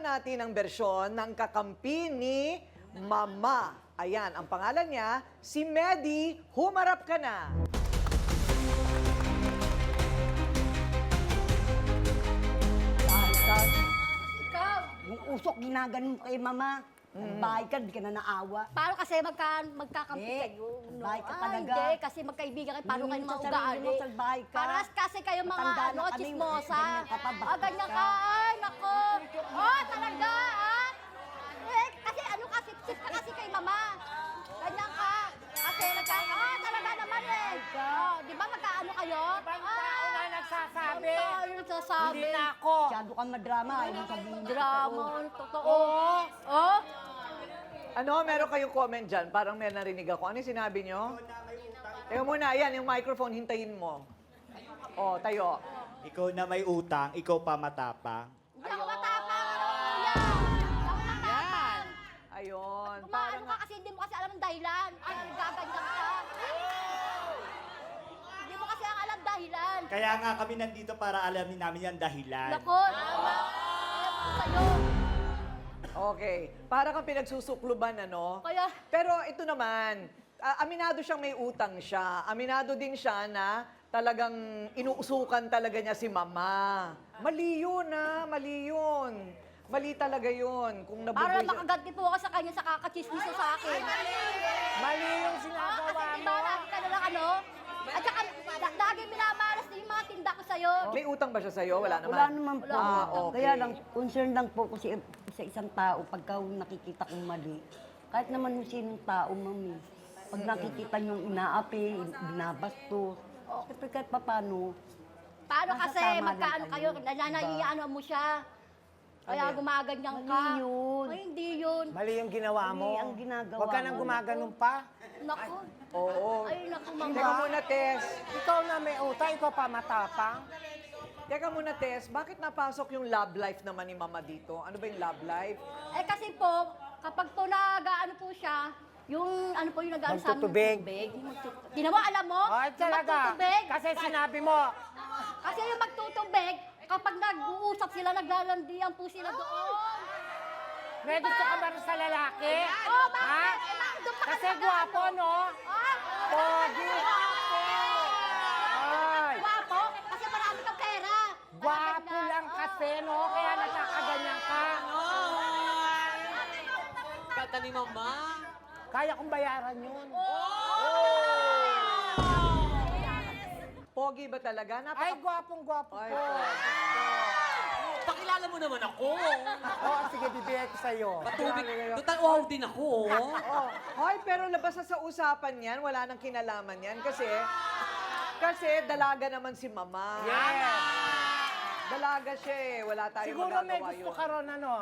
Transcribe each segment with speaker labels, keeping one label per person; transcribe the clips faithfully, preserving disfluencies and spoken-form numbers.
Speaker 1: naman natin ang bersyon ng kakampi ni Mama. Ayan, ang pangalan niya, si Medi. Humarap ka na.
Speaker 2: Ikaw,
Speaker 3: Yung usok, ginaganon kay mama. Nagbahay ka, di ka na naawa.
Speaker 2: paano kasi magka, magkakampi
Speaker 3: Eh,
Speaker 2: kayo?
Speaker 3: salbahe ka
Speaker 2: Ah,
Speaker 3: talaga.
Speaker 2: hindi, kasi magkaibigan kayo, paano kayo
Speaker 3: Hindi mo
Speaker 2: maugali?
Speaker 3: sarili mo, salbahe ka.
Speaker 2: Paras kasi kayo mga
Speaker 3: Matanda
Speaker 2: ano,
Speaker 3: na kami,
Speaker 2: chismosa.
Speaker 3: ganyan ka pa,
Speaker 2: Ah,
Speaker 3: bastos
Speaker 2: ganyan
Speaker 3: ka.
Speaker 2: ka. Ay, nako. Oh, talaga, ah. Eh, kasi ano kasi, sis ka kasi kay mama. Ganyan ka. Kasi nagka, ah, talaga naman eh. Oh, di ba magkaano kayo?
Speaker 4: Ibang tao na nagsasabi.
Speaker 2: Ibang tao yung nagsasabi.
Speaker 4: Hindi na ako.
Speaker 3: Masyado kang madrama, ayaw mong sabihin. yung
Speaker 2: Drama,
Speaker 3: totoo.
Speaker 2: ang totoo. Oh,
Speaker 1: Ano, meron kayong comment dyan? Parang may narinig ako. Ano yung sinabi nyo? Teka muna, ayan, yung microphone, hintayin mo. O, tayo.
Speaker 5: Ikaw na may utang, ikaw pa matapang.
Speaker 2: hindi ako matapang. Ano, kuya? Hindi ako matapang.
Speaker 1: Ayun.
Speaker 2: Kumaano
Speaker 1: Parang,
Speaker 2: ka kasi hindi mo kasi alam ang dahilan. Ay, gaganyan ka. Hindi mo kasi ang alam dahilan.
Speaker 5: Kaya nga kami nandito para alamin namin yung dahilan.
Speaker 2: Nako, alam ko sa'yo.
Speaker 1: okay. Para kang pinagsusukluban, ano?
Speaker 2: Kaya,
Speaker 1: Pero ito naman, ah, aminado siyang may utang siya. Aminado din siya na talagang inuusukan talaga niya si Mama. Mali yun, ha? Mali yun. Mali talaga yun. Kung
Speaker 2: para
Speaker 1: nabubuhay siya.
Speaker 2: makaganti po ako sa kanya sa kakachismiso sa akin.
Speaker 4: Mali yung
Speaker 2: Ah,
Speaker 4: sinagawa
Speaker 2: kasi
Speaker 4: mo.
Speaker 2: diba, lagi ka na lang ano? At saka, la- lagi minamalas na yung mga tinda ko sa'yo.
Speaker 1: May utang ba siya sa'yo? Wala naman.
Speaker 3: Wala naman po.
Speaker 1: Ah, okay.
Speaker 3: Kaya lang, concern lang po ko si- sa isang tao pagka nakikita kong mali. Kahit naman yung sinong tao, mami. Pag nakikita niyong inaapi, binabastos, siyempre kahit papano,
Speaker 2: Paano
Speaker 3: Nasa
Speaker 2: kasi,
Speaker 3: tama lang
Speaker 2: magkaano kayo,
Speaker 3: kayo.
Speaker 2: nananaiano mo siya. Kaya
Speaker 1: Ano?
Speaker 2: gumaganyan ka.
Speaker 3: Mali yun.
Speaker 2: Ay, hindi yun.
Speaker 4: Mali yung ginawa mo.
Speaker 3: Mali ang ginagawa
Speaker 4: Huwag ka nang
Speaker 3: mo.
Speaker 4: gumaganon pa.
Speaker 2: Naku.
Speaker 1: Oo.
Speaker 2: Ay, naku,
Speaker 1: Teka
Speaker 2: mama.
Speaker 1: muna, Tess.
Speaker 4: Ikaw na may utang, ikaw pa matapang.
Speaker 1: Teka muna, Tess. Bakit napasok yung love life naman ni Mama dito? Ano ba yung love life?
Speaker 2: Eh kasi po, kapag po nag-ano po siya, yung ano po yung nag-ano sa amin ng
Speaker 4: Magtutubig.
Speaker 2: tubig. Yung magtut- Ginawa, alam mo?
Speaker 4: Ay,
Speaker 2: Yung
Speaker 4: talaga.
Speaker 2: magtutubig.
Speaker 4: Kasi sinabi mo,
Speaker 2: Kasi yung magtutubig, kapag nag-uusap sila, naglalandian po sila doon.
Speaker 4: may gusto ka ba rin sa lalaki?
Speaker 2: Oh, bakit?
Speaker 4: Ha?
Speaker 2: Eh, bakit doon pa
Speaker 4: Kasi
Speaker 2: kasi
Speaker 4: gwapo, no?
Speaker 2: Ah?
Speaker 4: Pogi. Ay,
Speaker 2: Gwapo? Kasi marami kang pera.
Speaker 4: gwapo
Speaker 2: Kaya
Speaker 4: lang
Speaker 2: ganyan.
Speaker 4: kasi, no? Kaya nakakaganyan ka.
Speaker 6: Kata ni Mama.
Speaker 4: Kaya kong bayaran yun.
Speaker 1: Pogi ba talaga? Napaka...
Speaker 4: Ay, gwapong-gwapo
Speaker 1: Ay,
Speaker 4: ko.
Speaker 6: Pakilala mo naman ako.
Speaker 4: Oo, sige, bibigay ko sa'yo.
Speaker 6: Patubig. Total wow din ako. oh.
Speaker 1: Oh, hoy, pero labas na sa usapan yan, wala nang kinalaman yan kasi kasi dalaga naman si Mama.
Speaker 4: Yes.
Speaker 1: Dalaga siya eh, wala tayong
Speaker 4: Siguro may
Speaker 1: magagawa
Speaker 4: gusto
Speaker 1: yun.
Speaker 4: ka ron, ano?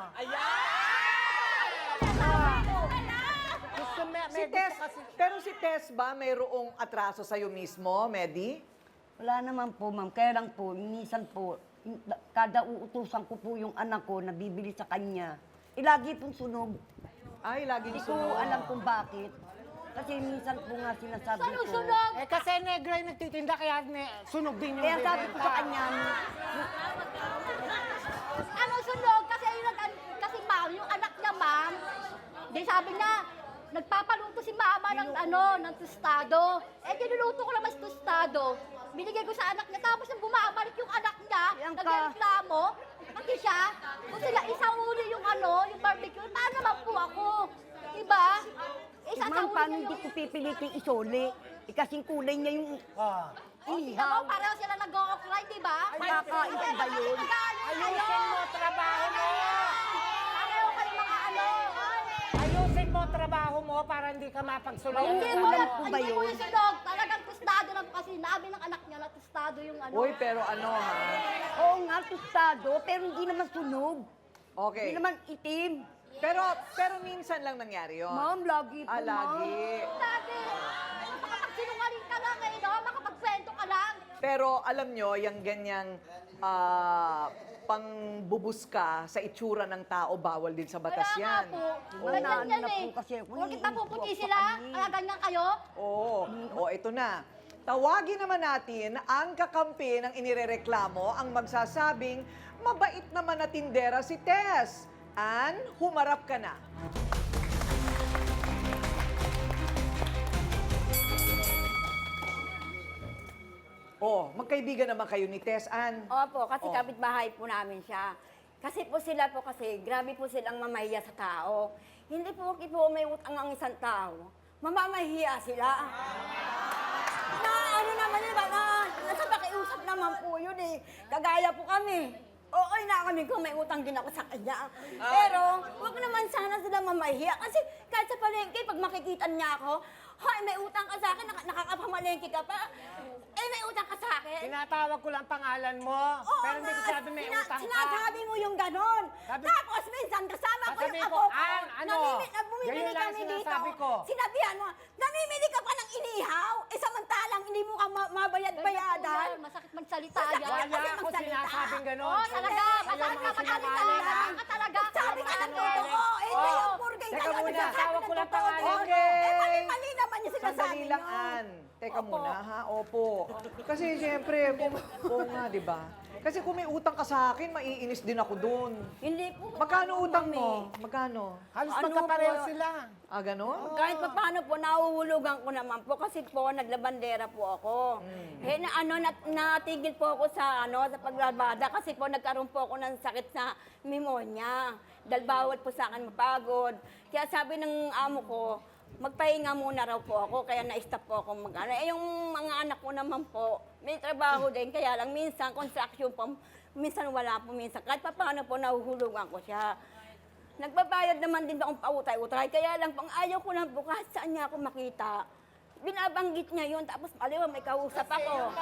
Speaker 4: Gusto, may,
Speaker 1: Si
Speaker 4: may
Speaker 1: Tess,
Speaker 4: gusto kasi.
Speaker 1: pero si Tess ba mayroong atraso sa'yo mismo, Medi?
Speaker 3: wala naman po, ma'am. Kaya lang po, minsan po, in- kada uutusan ko po yung anak ko na bibili sa kanya, ilagi pong sunog.
Speaker 1: Ay, laging
Speaker 3: Hindi ko
Speaker 1: sunod.
Speaker 3: alam kung bakit. Kasi minsan po nga sinasabi ko.
Speaker 2: Sunog-sunog.
Speaker 4: Eh, kasi negro yung nagtitinda, kaya ne, sunog din yung
Speaker 3: Kaya sabi ko sa
Speaker 4: binenta.
Speaker 3: kanya,
Speaker 2: Ano sunog? Kasi yung nag- kasi ma'am, yung anak niya ma'am, di sabi niya, nagpapaluto si mama ng ano, ng tostado. Eh, dinuluto ko naman si tostado. Binigay ko sa anak niya, tapos nang bumabalik yung anak niya,
Speaker 3: Yan ka.
Speaker 2: nagreklamo, pati siya, kung sila isang uli yung ano, yung barbecue, paano naman po ako? Diba? Isa
Speaker 3: ma'am, paano hindi ko pipilitin isole? Eh, kasing kulay niya yung
Speaker 4: Ah.
Speaker 2: Tingnan mo, pareho sila nag-o-offline, diba?
Speaker 3: Ay, kakain ka ba yun?
Speaker 4: Ayusin mo trabaho mo!
Speaker 2: Pareho kayo mga ano.
Speaker 4: Ayusin mo trabaho mo para hindi ka mapagsulay.
Speaker 2: Hindi
Speaker 3: Ulam
Speaker 2: mo lang,
Speaker 3: po ba
Speaker 2: hindi mo
Speaker 3: yun?
Speaker 2: yung sunog. Talagang tostado lang kasi nabi ng anak niya na tostado yung ano.
Speaker 1: Uy, pero ano ha?
Speaker 3: Oo nga, tostado, pero hindi naman sunog.
Speaker 1: Okay.
Speaker 3: Hindi naman itim.
Speaker 1: Pero pero minsan lang nangyari yun.
Speaker 3: Ma'am, lagi po,
Speaker 1: Ah,
Speaker 3: ma'am.
Speaker 1: lagi.
Speaker 2: Lagi. Makapagsinungaling ka lang eh, no? Makapagkwento ka lang.
Speaker 1: Pero alam nyo, yung ganyang ah, pangbubuska sa itsura ng tao, bawal din sa batas
Speaker 2: Kaya
Speaker 1: yan.
Speaker 2: nga po.
Speaker 1: Oo.
Speaker 2: Ganyan
Speaker 3: Ano
Speaker 2: yan
Speaker 3: na
Speaker 2: eh.
Speaker 3: po kasi ako,
Speaker 2: Huwag kita puputi
Speaker 3: iniisip
Speaker 2: sila.
Speaker 3: ako kami.
Speaker 2: Kaya ganyan kayo.
Speaker 1: Oo. O, ito na. Tawagin naman natin ang kakampi ng inirereklamo ang magsasabing mabait naman na tindera si Tess. Ann, humarap ka na. Oh, magkaibigan naman kayo ni Tess, Ann.
Speaker 7: Opo, kasi
Speaker 1: Oh.
Speaker 7: kapitbahay po namin siya. Kasi po sila po kasi, grabe po silang mamahiya sa tao. Hindi po po may utang ang isang tao. Mamamahiya sila. Na ano naman yun, ba, na, nasa pakiusap naman po yun eh. Kagaya po kami. Okay na kami kung may utang din ako sa kanya. Pero, wag naman sana sila mamahiya. Kasi kahit sa palengke, pag makikita niya ako, hoy, may utang ka sa akin, nak- nakakapamalengke ka pa. Eh, may utang ka sa akin.
Speaker 4: Tinatawag ko lang pangalan mo.
Speaker 7: Oo
Speaker 4: pero hindi ko
Speaker 7: nga,
Speaker 4: sabi may
Speaker 7: sina-
Speaker 4: utang ka.
Speaker 7: Sinasabi mo yung ganon.
Speaker 4: Sabi-
Speaker 7: Tapos minsan kasama ko yung
Speaker 4: Sasabihin
Speaker 7: apo
Speaker 4: ko,
Speaker 7: ko.
Speaker 4: "An, ano?
Speaker 7: Namimi, na bumibili
Speaker 4: Ganyan lang
Speaker 7: kami dito.
Speaker 4: sinasabi ko.
Speaker 7: Sinabihan mo, namimili ka pa ng inihaw. Eh samantalang hindi mo ka ma- mabayad-bayadan.
Speaker 2: Masakit magsalita
Speaker 7: Masakit.
Speaker 2: yan.
Speaker 4: Wala
Speaker 7: kasi
Speaker 4: ako
Speaker 7: magsalita.
Speaker 4: sinasabing gano'n.
Speaker 2: Oo, talaga.
Speaker 4: Kayo
Speaker 2: Masakit
Speaker 4: mga
Speaker 2: ka magsalita.
Speaker 4: sinungaling, ha?
Speaker 2: Masakit ka talaga.
Speaker 7: Sabi ka ng
Speaker 4: Sinungaling.
Speaker 7: totoo. Eh,
Speaker 4: Oo.
Speaker 7: yung purgay
Speaker 1: Teka
Speaker 7: talaga
Speaker 1: muna.
Speaker 7: nagsasabi
Speaker 4: Tawag
Speaker 7: ng
Speaker 4: ko lang
Speaker 7: totoo.
Speaker 4: pangalan.
Speaker 1: Okay.
Speaker 7: Eh, mali-mali naman yung sinasabi
Speaker 1: Sandali lang,
Speaker 7: niyo.
Speaker 1: Ann. Teka
Speaker 7: Opo.
Speaker 1: muna, ha? Opo. Kasi siyempre, kung, kung nga, di ba? Kasi kung may utang ka sa akin, maiinis din ako doon.
Speaker 7: Hindi po.
Speaker 1: Magkano utang
Speaker 7: mami.
Speaker 1: mo? Magkano?
Speaker 4: Halos
Speaker 7: Ano
Speaker 4: magkapareho
Speaker 7: po?
Speaker 4: sila.
Speaker 1: Ah, ganon?
Speaker 7: Kahit pa paano po, nahuhulugan ko naman po kasi po, naglabandera po ako. Eh, na, ano, nat, natigil po ako sa, ano, sa paglabada kasi po nagkaroon po ako ng sakit sa pneumonia. Dahil bawal po sa akin mapagod. Kaya sabi ng amo ko, magpahinga muna raw po ako, kaya na-stop po ako mag ano. Eh, yung mga anak ko naman po, may trabaho din, kaya lang minsan, construction po, minsan wala po, minsan. Kahit pa paano po, nahuhulugan ko siya. Nagbabayad naman din akong pautay-utay, kaya lang pang ayaw ko lang po kahit saan niya ako makita. Binabanggit niya yun, tapos aliwa may kausap ako.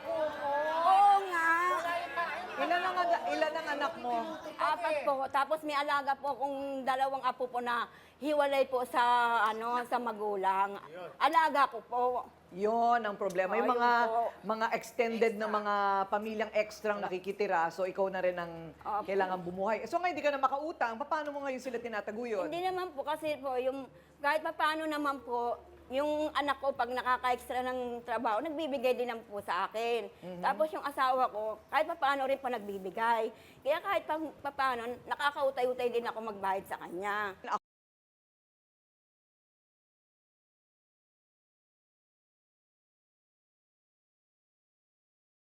Speaker 7: Oo nga.
Speaker 1: Ilan ang, ana- ilan ang anak mo?
Speaker 7: Apat po. Tapos may alaga po akong dalawang apo po na hiwalay po sa ano sa magulang. Alaga ko po.
Speaker 1: Yon ang problema. Yung
Speaker 7: Oh,
Speaker 1: mga
Speaker 7: yun po.
Speaker 1: mga extended na mga pamilyang extrang nakikitira, so ikaw na rin ang
Speaker 7: Opo.
Speaker 1: kailangan bumuhay. So ngayon hindi ka na makautang, paano mo ngayon sila tinataguyod?
Speaker 7: Hindi naman po kasi po yung kahit pa paano naman po yung anak ko pag nakaka-extra ng trabaho, nagbibigay din naman po sa akin. Tapos yung asawa ko, kahit pa paano rin po nagbibigay. Kaya kahit pa, pa paano, nakakautay-utay din ako magbayad sa kanya.